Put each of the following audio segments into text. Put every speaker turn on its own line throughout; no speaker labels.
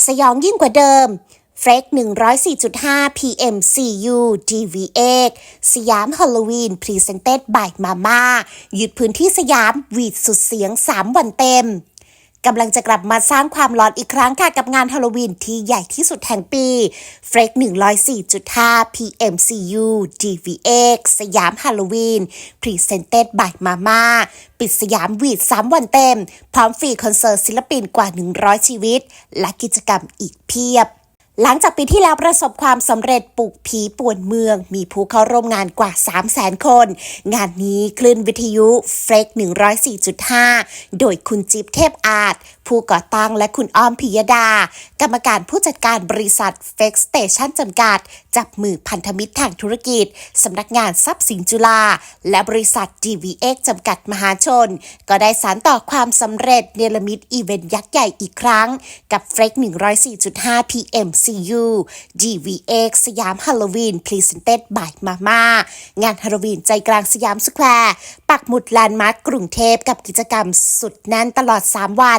สยองยิ่งกว่าเดิมเฟรก104.5 PMCU DVX สยามฮอลโลวีนพรีเซนเต็ดบายมาม่ายึดพื้นที่สยามวีดสุดเสียง3 วันเต็มกำลังจะกลับมาสร้างความร้อนอีกครั้งค่ะกับงานฮาโลวีนที่ใหญ่ที่สุดแห่งปีเฟรก104.5 PMCU DVX สยามฮาโลวีนพรีเซนเต็ดบายมาม่าปิดสยามวีด3 วันเต็มพร้อมฟรีคอนเสิร์ตศิลปินกว่า100ชีวิตและกิจกรรมอีกเพียบหลังจากปีที่แล้วประสบความสำเร็จปลุกผีป่วนเมืองมีผู้เข้าร่วมงานกว่า 300,000 คนงานนี้คลื่นวิทยุเฟรก104.5 โดยคุณจิ๊บเทพอาจผู้ก่อตั้งและคุณอ้อมพิยดากรรมการผู้จัดการบริษัทเฟกสเตชันจำกัดจับมือพันธมิตรทางธุรกิจสำนักงานทรัพย์สินจุฬาและบริษัท DVX จำกัดมหาชนก็ได้สานต่อความสำเร็จเนรมิตอีเวนต์ยักษ์ใหญ่อีกครั้งกับเฟรก104.5 PMCU DVX สยามฮาโลวีนพรีเซนเต็ดบายมาม่างานฮาโลวีนใจกลางสยามสแควร์ปักหมุดแลนด์มาร์คกรุงเทพกับกิจกรรมสุดแน่นตลอด3 วัน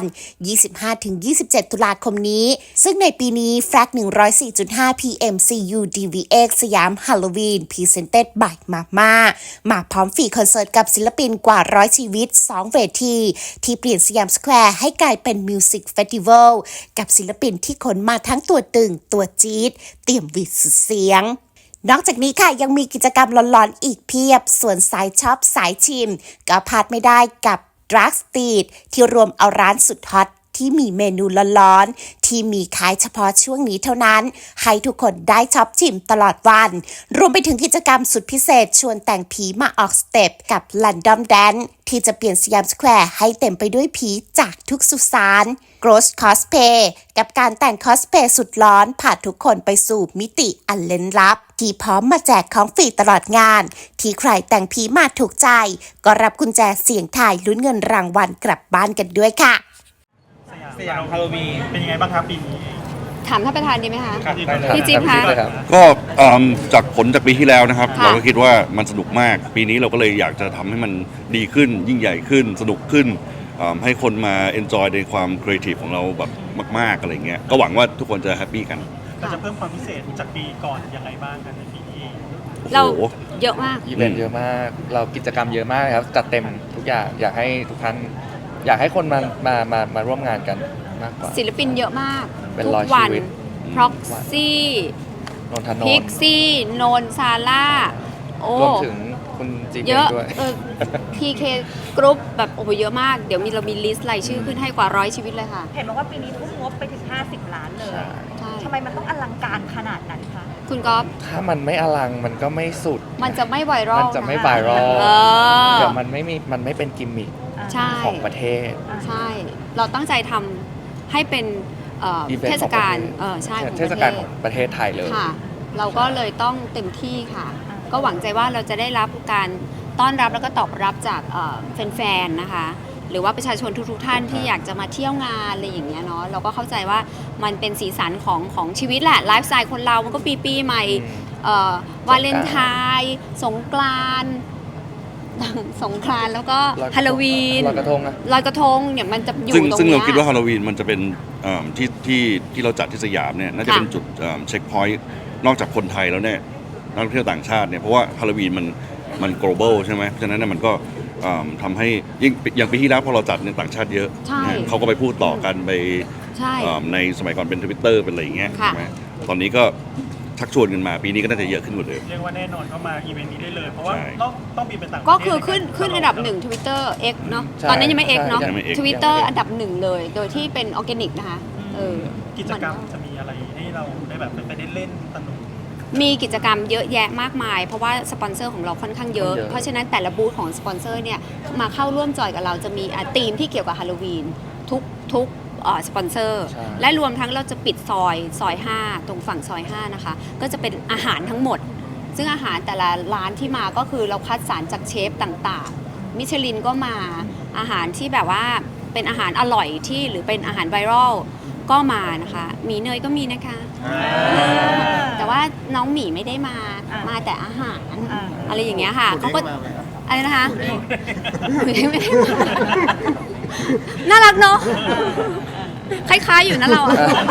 25-27 ตุลาคมนี้ซึ่งในปีนี้แฟลก104.5 PMCU DVX สยามฮาโลวีนพรีเซนเต็ดบายมาม่ามาพร้อมฟรีคอนเสิร์ตกับศิลปินกว่า100ชีวิต2 เวทีที่เปลี่ยนสยามสแควร์ให้กลายเป็นมิวสิกเฟสติวัลกับศิลปินที่ขนมาทั้งตัวตึงตัวจี๊ดเตรียมวิดสุดเสียงนอกจากนี้ค่ะยังมีกิจกรรมหลอนๆอีกเพียบส่วนสายช็อปสายชิมก็พลาดไม่ได้กับดรักสตรีทที่รวมเอาร้านสุดฮอตที่มีเมนูร้อนๆที่มีขายเฉพาะช่วงนี้เท่านั้นให้ทุกคนได้ช็อปชิมตลอดวันรวมไปถึงกิจกรรมสุดพิเศษชวนแต่งผีมาออกสเต็ปกับ Random Dance ที่จะเปลี่ยนสยามสแควร์ให้เต็มไปด้วยผีจากทุกสุสาน Ghost Cosplay กับการแต่งคอสเพลย์สุดร้อนพาทุกคนไปสู่มิติอันลึกลับที่พร้อมมาแจกของฟรีตลอดงานที่ใครแต่งผีมาถูกใจก็รับกุญแจเสี่ยงทายลุ้นเงินรางวัลกลับบ้านกันด้วยค่ะ
สยามฮาโลวีนเป็นยังไงบ้างครับปีนี้
ถามท่านประธานดีไหมคะ
พี่
จิ๊บคะ
ก็จากผลจากปีที่แล้วนะครับเราก็คิดว่ามันสนุกมากปีนี้เราก็เลยอยากจะทำให้มันดีขึ้นยิ่งใหญ่ขึ้นสนุกขึ้นให้คนมาเอนจอยในความครีเอทีฟของเราแบบมากๆอะไรเงี้ยก็หวังว่าทุกคนจะแฮปปี้กัน
เราจะเพิ่มความพิเศษจากปีก่อนยังไงบ้างกันในปีนี้
เราเยอะมาก
อีเวนต์เยอะมากเรากิจกรรมเยอะมากครับจัดเต็มทุกอย่างอยากให้ทุกท่านอยากให้คนมาร่วมงานกันมากกว่า
ศิลปินเยอะมาก
ทุกวัน
พ็อกซี่
นนทนนท์
พิกซี่นนซาร่าร
วมถึงคุณจีเ
ยอะ
ด้วย
พีเคกรุ๊ปแบบโอ้โหเยอะมากเดี๋ยวเรามีลิสต์รายชื่อขึ้นให้กว่า100ชีวิตเลยค่ะ
เห็นบอกว่าปีนี้ทุ่มงบไปถึง50 ล้านเลยทำไมมันต้องอลังการขนาดนั้นคะ
คุณก๊อฟ
ถ้ามันไม่อลังมันก็ไม่สุด
มันจะไม่ไวรัล
มันจะไม่ไวรัลเดี๋ยวมันไม่เป็นกิมมิคของประเทศ
ใช่เราตั้งใจทำให้เป็นเทศกาลใช่
เทศกาลของประเทศไทยเลย
ค่ะเราก็เลยต้องเต็มที่ค่ะก็หวังใจว่าเราจะได้รับการต้อนรับแล้วก็ตอบรับจากแฟนๆนะคะหรือว่าประชาชนทุกๆท่านที่อยากจะมาเที่ยวงานอะไรอย่างเงี้ยเนาะเราก็เข้าใจว่ามันเป็นสีสันของชีวิตแหละไลฟ์สไตล์คนเรามันก็ปีใหม่วาเลนไทน์สงกรานต์แล้วก็ฮาโลวีน
ลอยกระ
ทงเนี่ยมันจะอยู่ตรงนี้
ซึ่งเราคิดว่าฮาโลวีนมันจะเป็นที่เราจัดที่สยามเนี่ยน่าจะเป็นจุดเช็คพอยต์นอกจากคนไทยแล้วเนี่ยนักท่องเที่ยวต่างชาติเนี่ยเพราะว่าฮาโลวีนมัน global ใช่ไหมเพราะฉะนั้นมันก็ทำให้ยิ่งอย่างปีที่แล้วพอเราจัดเนี่ยต่างชาติเยอะเขาก็ไปพูดต่อกันไปในสมัยก่อนเป็น Twitter เป็นอะไรอย่างเงี้ยใช่ไหมตอนนี้ก็ชักชวนกันมาปีนี้ก็น่าจะเยอะขึ้นกว่าเดิม
เรียกว่าแน่นอนเข้ามาอีเวนต์นี้ได้เลยเพราะว่าต้องบินไปต่างประเทศ
ก็คือขึ้นอันดับ1 Twitter X เนาะตอนนั้นยังไม่ X เนาะ Twitter อันดับ1เลยโดยที่เป็นออร์แกนิกนะคะ
กิจกรรมจะมีอะไรให้เราได้แบบไปได้เล่นสนุก
มีกิจกรรมเยอะแยะมากมายเพราะว่าสปอนเซอร์ของเราค่อนข้างเยอะเพราะฉะนั้นแต่ละบูธของสปอนเซอร์เนี่ยมาเข้าร่วมจอยกับเราจะมีธีมที่เกี่ยวกับฮาโลวีนทุกสปอนเซอร์และรวมทั้งเราจะปิดซอย5ตรงฝั่งซอย5นะคะก็จะเป็นอาหารทั้งหมดซึ่งอาหารแต่ละร้านที่มาก็คือเราคัดสรรจากเชฟต่างๆมิชลินก็มาอาหารที่แบบว่าเป็นอาหารอร่อยที่หรือเป็นอาหารไวรัลก็มานะคะหมีเนยก็มีนะคะแต่ว่าน้องหมีไม่ได้มาแต่อาหารอะไรอย่างเงี้ยค่ะเขาก็อะไรนะคะไม่ได้มาน่ารักเนาะคล้ายๆอยู่นะเราอะ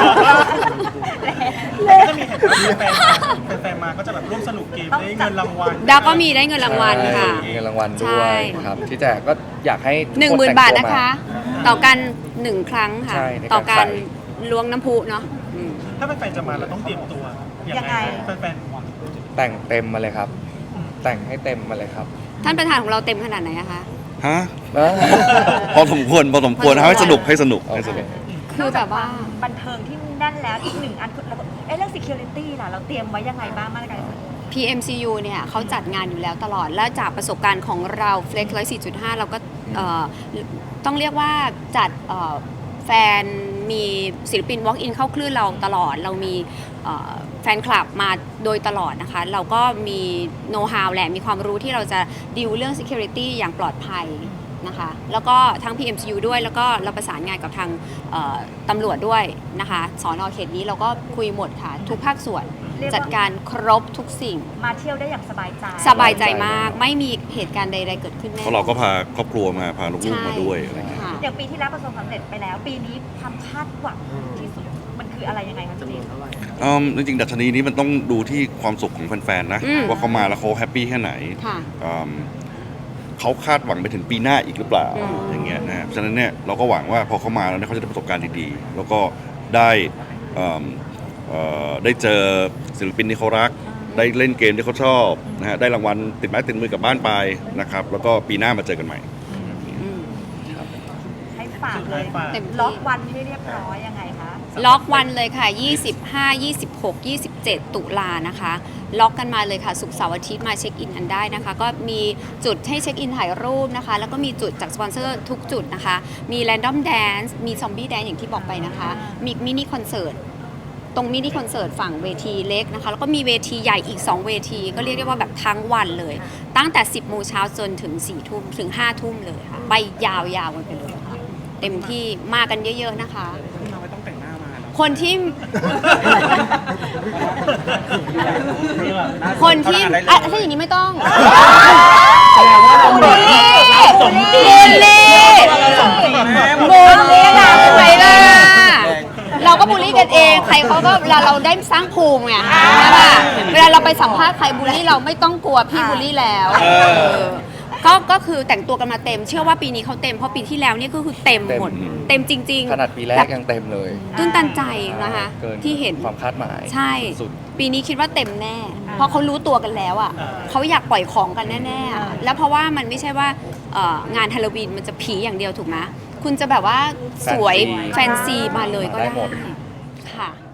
แต่ก็จะมีเห็นแฟนๆมาก็จะแบบร่วมสนุกเกมได้เงินรางวัล
ดาวก็มีได้เงินรางวัลค่ะ
มีเงินรางวัลด้
ใช่
วยครับที่แจกก็อยากให้ทุกค
10,000 บาท
แต่งตัว
นะคะ
มา
ต่อกัน1 ครั้งค่ะ
ใช่ในการ
ต่อการ
ใส่
ล้วงน้ำพุเนาะอืม
ถ้าแฟนๆจะมาเราต้องเตรียมตัวยังไงแฟน
แต่งเต็มมาเลยครับ แต่งให้เต็มมาเลยครับ
ท่านประธานของเราเต็มขนาดไหนอะคะ
ฮะ
เออ
พอสมควร
พอสมควร
ให้สนุกให้สนุกให้สนุก
คือแบบว่า
บันเทิงที่แน่นแล้วอีกหนึ่งอันคือระบบเรื่อง security ล่ะเราเตรียมไว้ยังไงบ้างมาตรการ
PMCU เนี่ยเขาจัดงานอยู่แล้วตลอด และจากประสบการณ์ของเรา Flex 104.5 เราก็ต้องเรียกว่าจัดแฟนมีศิลปิน walk in เข้าคลื่นเราตลอด เรามีแฟนคลับมาโดยตลอดนะคะ เราก็มีโน้ตฮาวแหละมีความรู้ที่เราจะดิวเรื่อง security อย่างปลอดภัยนะคะ แล้วก็ทั้ง PMCU ด้วยแล้วก็เราประสานงานกับทางตำรวจด้วยนะคะสอนอเขตนี้เราก็คุยหมดค่ะ ทุกภาคส่วน
เรียกว่า
จัดการครบทุกสิ่ง
มาเที่ยวได้อย่างสบายใจ
สบายใจมากไม่มีเหตุการณ์ใดๆเกิดขึ้นแน่
เพราะเราก็พาครอบครัวมาพาลูกๆมาด้วยอะไรเงี้ย
ค่ะ
อย่างปีที่แล้วประสบความสำเร็จไปแล้ว ปีนี้ความคาดหวังที่สุดมันคืออะไรยังไงคะจีน
จริงๆดัชนีนี้มันต้องดูที่ความสุขของแฟนๆนะ
อืม
ว่าเขามาแล้วเขาแฮปปี้แค่ไหน
ค่ะ
เขาคาดหวังไปถึงปีหน้าอีกหรือเปล่า
อืม
อย่างเงี้ยนะครับฉะนั้นเนี่ยเราก็หวังว่าพอเขามาแล้วเนี่ยเขาจะได้ประสบการณ์ดีๆ แล้วก็ได้ได้เจอศิลปินที่เขารัก ได้เล่นเกมที่เขาชอบนะฮะได้รางวัลติดไม้ติดมือกลับบ้านไปนะครับแล้วก็ปีหน้ามาเจอกันใหม่
อืม
ให้ฝากเลย
เต็มที่
ล็อกวันให้เรียบร้อยยังไงคะ
ล็อกวันเลยค่ะ 25 26 27 ตุลานะคะ ล็อกกันมาเลยค่ะ ศุกร์เสาร์อาทิตย์มาเช็คอินกันได้นะคะ ก็มีจุดให้เช็คอินถ่ายรูปนะคะ แล้วก็มีจุดจากสปอนเซอร์ทุกจุดนะคะ มีแรนดอมแดนซ์มีซอมบี้แดนซ์อย่างที่บอกไปนะคะ มีมินิคอนเสิร์ต ตรงมินิคอนเสิร์ตฝั่งเวทีเล็กนะคะ แล้วก็มีเวทีใหญ่อีก 2 เวที ก็เรียกได้ว่าแบบทั้งวันเลย ตั้งแต่ 10 โมงเช้าจนถึง 4 ทุ่มถึง 5 ทุ่มเลยค่ะ ไปยาวๆกันไปเลยค่ะ เต็มที่มากันเยอะๆนะคะ
ๆไม่ต้องแต่งหน้ามา
คนที่ คนที่อ่ะถ้าอย่างนี้ไม่ต้องบูลลี่บูลลี่นะทำไมล่ะเราก็บูลลี่กันเอง ใครเขาก็เวลาเราได้สร้างภูมิไงใช่ป่ะเวลาเราไปสัมภาษณ์ใครบูลลี่เราไม่ต้องกลัวพี่บูลลี่แล้วก็คือแต่งตัวกันมาเต็ม เชื่อว่าปีนี้เขาเต็มเพราะปีที่แล้วเนี่ยก็คือเต็มหมด เต็มจริงๆ
ขนาดปีแรกยังเต็มเลย
ตื้นตันใจนะคะ
เกิน
ที่เห็น
ความคาดหมาย
ใช่
สุด
ปีนี้คิดว่าเต็มแน่ เพราะเขารู้ตัวกันแล้วอ่ะเขาอยากปล่อยของกันแน่ๆอะแล้วเพราะว่ามันไม่ใช่ว่างานฮาโลวีนมันจะผีอย่างเดียวถูกไหมคุณจะแบบว่าสวยแฟนซีมาเลยก็
ได้
ได้
หมด
ค่ะ